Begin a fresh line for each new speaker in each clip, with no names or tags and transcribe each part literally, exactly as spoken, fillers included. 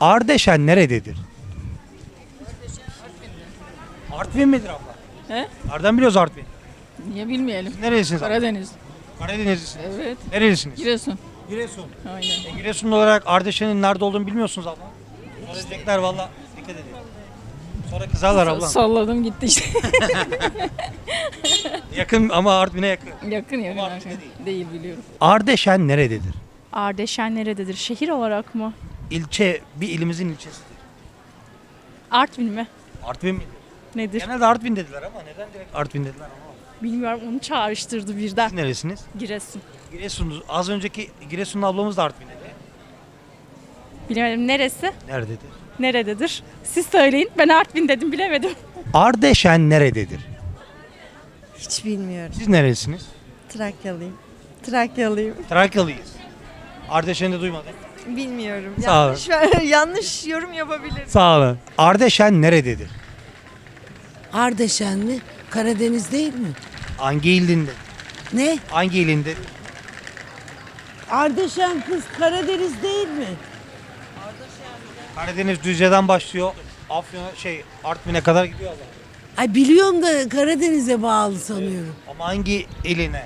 Ardeşen nerededir? Artvin midir abla?
He?
Nereden biliyoruz Artvin?
Niye bilmeyelim?
Nerelisiniz abla?
Karadeniz.
Karadenizlisiniz.
Evet.
Nerelisiniz?
Giresun.
Giresun.
Aynen.
E, Giresunlu olarak Ardeşen'in nerede olduğunu bilmiyorsunuz abla. Sonra diyecekler valla dikkat edin. Sonra kızarlar abla.
Salladım gitti işte.
Yakın ama Artvin'e yakın.
yakın yakın.
Ama
yakın.
değil.
Değil biliyorum.
Ardeşen nerededir?
Ardeşen nerededir? Şehir olarak mı?
İlçe, bir ilimizin ilçesidir.
Artvin mi?
Artvin mi?
Nedir?
Genelde Artvin dediler ama neden direkt Artvin dediler ama.
Bilmiyorum, onu çağrıştırdı birden.
Siz neresiniz?
Giresun.
Giresun'uz. Az önceki Giresunlu ablamız da Artvin'de.
Bilemedim, neresi?
Nerededir?
Nerededir? Siz söyleyin. Ben Artvin dedim, bilemedim.
Ardeşen nerededir?
Hiç bilmiyorum.
Siz neresiniz?
Trakyalıyım. Trakyalıyım.
Trakyalıyız. Ardeşen'i de duymadım.
Bilmiyorum.
Sağ olun.
Yanlış, yanlış yorum yapabilirim.
Sağ olun. Ardeşen nerededir?
Ardeşen mi? Karadeniz değil mi?
Hangi ilinde?
Ne?
Hangi ilinde?
Ardeşen kız Karadeniz değil mi?
Karadeniz Düzce'den başlıyor. Afyon'a şey Artvin'e kadar gidiyor adam.
Ay biliyorum da Karadeniz'e bağlı sanıyorum.
Ama hangi iline?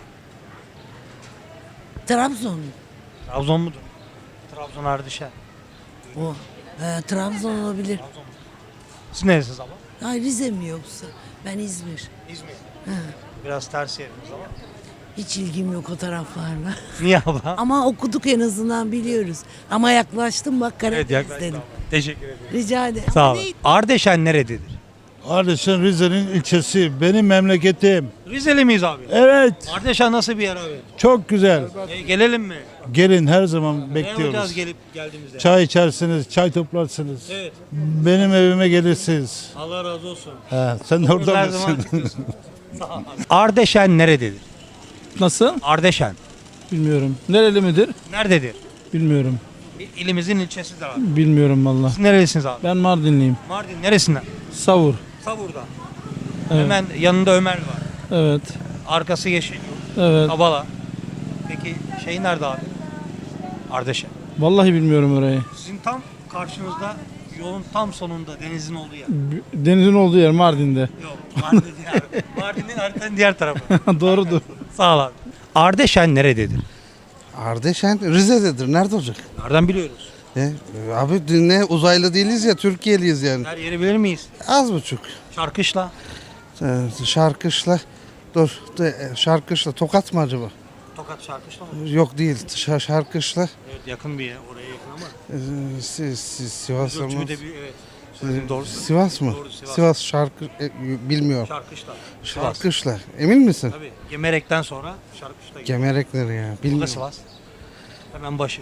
Trabzon.
Trabzon mudur? Trabzon Ardeşen.
O. He, Trabzon olabilir.
Trabzon mudur? Siz neresiniz abla?
Ay Rize mi yoksa? Ben İzmir.
İzmir.
He.
Biraz ters yerimiz ama.
Hiç ilgim yok o taraflarla.
Niye abla?
Ama okuduk en azından biliyoruz. Ama yaklaştım bak Karadeniz
Evet yaklaşık
dedim.
abla. Teşekkür ederim.
Rica ederim.
Sağ
Ama
olun.
neydi?
Ardeşen nerededir?
Ardeşen Rize'nin ilçesi. Benim memleketim.
Rizeli miyiz abi?
Evet.
Ardeşen nasıl bir yer abi?
Çok güzel.
E, gelelim mi?
Gelin her zaman
Ne yapacağız
bekliyoruz.
gelip geldiğimizde?
Çay içersiniz, çay toplarsınız.
Evet.
Benim evime gelirsiniz.
Allah razı olsun.
He, sen de orada
Her zaman
mısın?
çıkıyorsun. Ardeşen nerededir?
Nasıl?
Ardeşen.
Bilmiyorum. Nereli midir?
Nerededir?
Bilmiyorum.
Bir ilimizin ilçesidir abi.
Bilmiyorum valla.
Siz nerelisiniz abi?
Ben Mardinliyim.
Mardin neresinden?
Savur.
Savur'da.
Evet.
Hemen yanında Ömer var.
Evet.
Arkası yeşil.
Evet.
Kabala. Peki şey nerede abi? Ardeşen.
Vallahi bilmiyorum orayı.
Sizin tam karşınızda yolun tam sonunda denizin olduğu yer.
B- Denizin olduğu yer Mardin'de.
Yok. Mardin diğer. Mardin'in haritanın diğer tarafı.
Doğrudur.
Sağ ol abi. Ardeşen nerededir?
Ardeşen Rize'dedir. Nerede olacak?
Nereden biliyoruz?
E, abi ne uzaylı değiliz ya, Türkiye'liyiz yani.
Her yeri bilir miyiz?
Az buçuk.
Şarkışla.
E, şarkışla. Dur. de- e, Şarkışla. Tokat mı acaba?
Tokat Şarkışla mı?
Yok değil. Ş- şarkışla.
Evet yakın bir yer. Oraya yakın ama.
E, si, si, Sivas mı?
Ölçümü de bir evet. Söylediğim doğru.
Sivas mı?
Doğru, Sivas.
Sivas şarkı e, bilmiyorum.
Şarkışla. Sivas.
Şarkışla. Emin misin?
Tabii. Gemerek'ten sonra Şarkışla gidiyor.
Gemerekleri ya.
Bu da
Bilmiyorum.
Sivas. Hemen başı.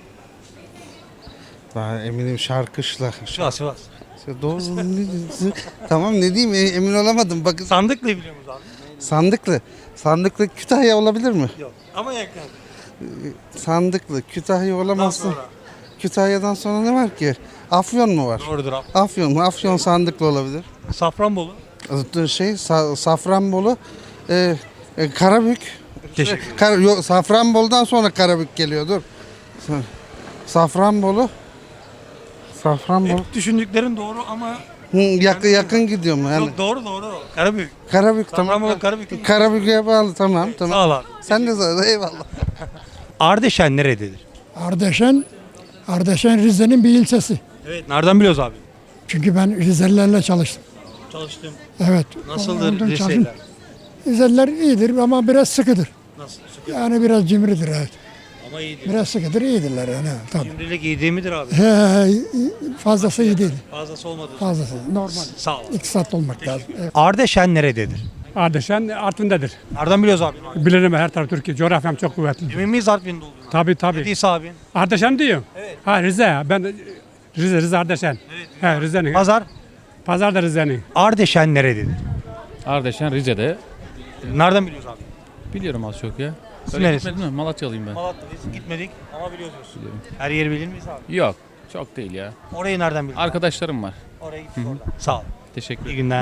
Ben eminim şarkışla.
Sivas Sivas.
Doğru. ne- tamam ne diyeyim, e, emin olamadım. Bakın
Sandıklı biliyor musun abi?
Sandıklı. Sandıklı Kütahya olabilir mi?
Yok. Ama yakın.
Sandıklı Kütahya
Ondan
olamazsın.
sonra.
Kütahya'dan sonra ne var ki? Afyon mu var?
Doğrudur abi.
Afyon mu? Afyon Sandıklı olabilir.
Safranbolu.
Şey Sa- Safranbolu, e, e, Karabük.
Teşekkür ederim.
Kar- yok, Safranbolu'dan sonra Karabük geliyor. Dur. Sa- Safranbolu. Safranbolu.
Hep düşündüklerin doğru ama
Hı, yakın yakın gidiyor mu yani?
yok doğru doğru. Karabük.
Karabük
Safranbolu
tamam.
Karabük.
Karabük'e bağlı tamam tamam.
Sağ ol abi.
Sen de sağ ol, eyvallah.
Ardeşen nerededir?
Ardeşen, Ardeşen Rize'nin bir ilçesi.
Evet. Nereden biliyoruz abi?
Çünkü ben Rizelilerle çalıştım.
Çalıştım.
Evet.
Nasıldır
Ondan çalıştım.
liseler?
Rizeliler iyidir ama biraz sıkıdır.
Nasıl? Sıkı
Yani biraz cimridir evet.
ama iyidir.
Biraz sıkıdır, iyidirler yani. evet, Tabii.
Cimrilik iyi değil midir abi?
He, he, fazlası iyi değil.
Fazlası olmadı.
Fazlası normal.
Sağ ol.
İktisatlı olmak lazım. Evet.
Ardeşen nerededir?
Ardeşen Artvin'dedir.
Nereden biliyoruz abi?
Bilirim her taraf Türkiye. Coğrafyam çok kuvvetli.
Emin miyiz Artvin'de olduğuna?
Tabii tabii.
Dediyse abin.
Ardeşen diyor.
Evet.
Ha Rize. Ben de- Rize, Rize Ardeşen.
Evet.
He Rize'nin.
Pazar.
Pazar da Rize'nin.
Ardeşen nerededir?
Ardeşen Rize'de.
Nereden biliyoruz abi?
Biliyorum az çok ya.
Siz
Öyle
neresiniz?
gitmedin mi? Malatyalıyım ben.
Malatya'dayız. Gitmedik ama biliyoruz. Her yeri bilir miyiz abi?
Yok. Çok değil ya.
Orayı nereden biliyoruz?
Arkadaşlarım var.
Oraya gittik oradan. Sağ ol.
Teşekkür
İyi
ederim.
günler.